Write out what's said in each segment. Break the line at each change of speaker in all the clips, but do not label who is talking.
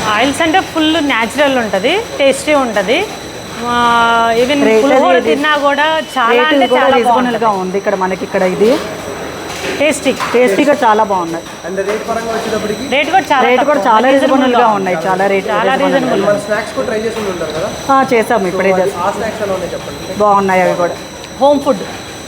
Oils అంటే full natural ఉంటుంది, tasty ఉంటుంది. ఈవెన్ పులిహోర తిన్నా కూడా చాలా అంటే చాలా
రీజనబుల్గా ఉంది. ఇక్కడ మనకి ఇక్కడ ఇది టేస్టీగా చాలా బాగున్నాయి. రేట్ కూడా చాలా రీజనబుల్గా ఉన్నాయి. చాలా రీజనబుల్. చేసాము ఇప్పుడే, బాగున్నాయి అవి కూడా.
హోమ్ ఫుడ్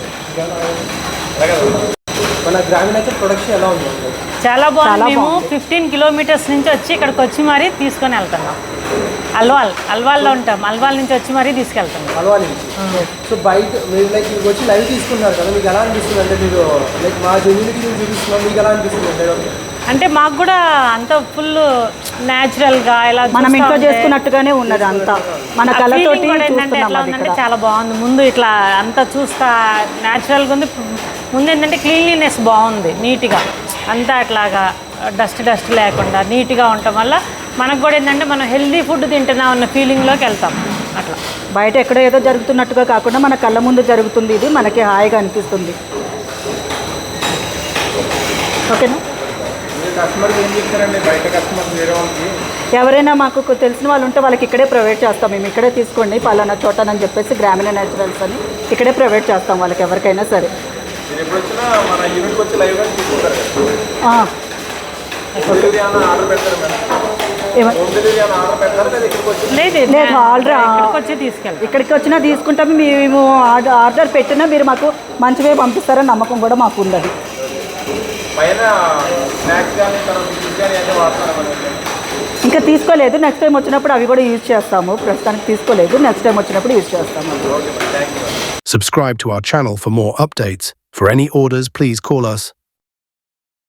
చాలా బాగుంది. మేము 15 కిలోమీటర్స్ నుంచి వచ్చి ఇక్కడికి వచ్చి మరీ తీసుకొని వెళ్తున్నాం. అల్వాల్లో ఉంటాం, అల్వాల్ నుంచి వచ్చి మరీ తీసుకెళ్తాం.
అల్వాల్ నుంచి. సో బయట మీరు లైక్ మీకు వచ్చి లైవ్ తీసుకున్నారు కదా, మీకు ఎలా అనిపిస్తుంది? అంటే మీరు లైక్ మా జెన్యూనిటీ చూపిస్తున్నాం, మీకు ఎలా అనిపిస్తుంది?
అంటే మాకు కూడా అంత ఫుల్ న్యాచురల్గా ఇలా
మనం ఇంట్లో చేసుకున్నట్టుగానే ఉన్నది అంతా. మన కళ్ళతోటి
ఏంటంటే ఎట్లా ఉందంటే చాలా బాగుంది. ముందు ఇట్లా అంతా చూస్తా న్యాచురల్గా ఉంది. ముందు ఏంటంటే క్లీన్లీనెస్ బాగుంది, నీట్గా అంతా అట్లాగా డస్ట్ లేకుండా నీట్గా ఉండటం వల్ల మనకు కూడా ఏంటంటే మనం హెల్దీ ఫుడ్ తింటున్నాం అన్న ఫీలింగ్లోకి వెళ్తాం. అట్లా
బయట ఎక్కడో ఏదో జరుగుతున్నట్టుగా కాకుండా మన కళ్ళ ముందు జరుగుతుంది. ఇది మనకి హాయిగా అనిపిస్తుంది. ఓకేనా? ఎవరైనా మాకు తెలిసిన వాళ్ళు ఉంటే వాళ్ళకి ఇక్కడే ప్రొవైడ్ చేస్తాం. మేము ఇక్కడే తీసుకోండి పలానా చోటనని చెప్పేసి గ్రామీణ న్యాచురల్స్ అని ఇక్కడే ప్రొవైడ్ చేస్తాం వాళ్ళకి ఎవరికైనా సరే. లేదు, ఆర్డర్ ఇక్కడికి వచ్చినా తీసుకుంటాము. మేము ఆర్డర్ పెట్టినా మీరు మాకు మంచివే పంపిస్తారని నమ్మకం కూడా మాకు ఉంది. ఇంకా తీసుకోలేదు, నెక్స్ట్ టైం వచ్చినప్పుడు అవి కూడా యూజ్ చేస్తాము. ప్రస్తుతానికి తీసుకోలేదు, నెక్స్ట్ టైం వచ్చినప్పుడు యూజ్ చేస్తాము.
Subscribe to our channel for more updates. For any orders, please call us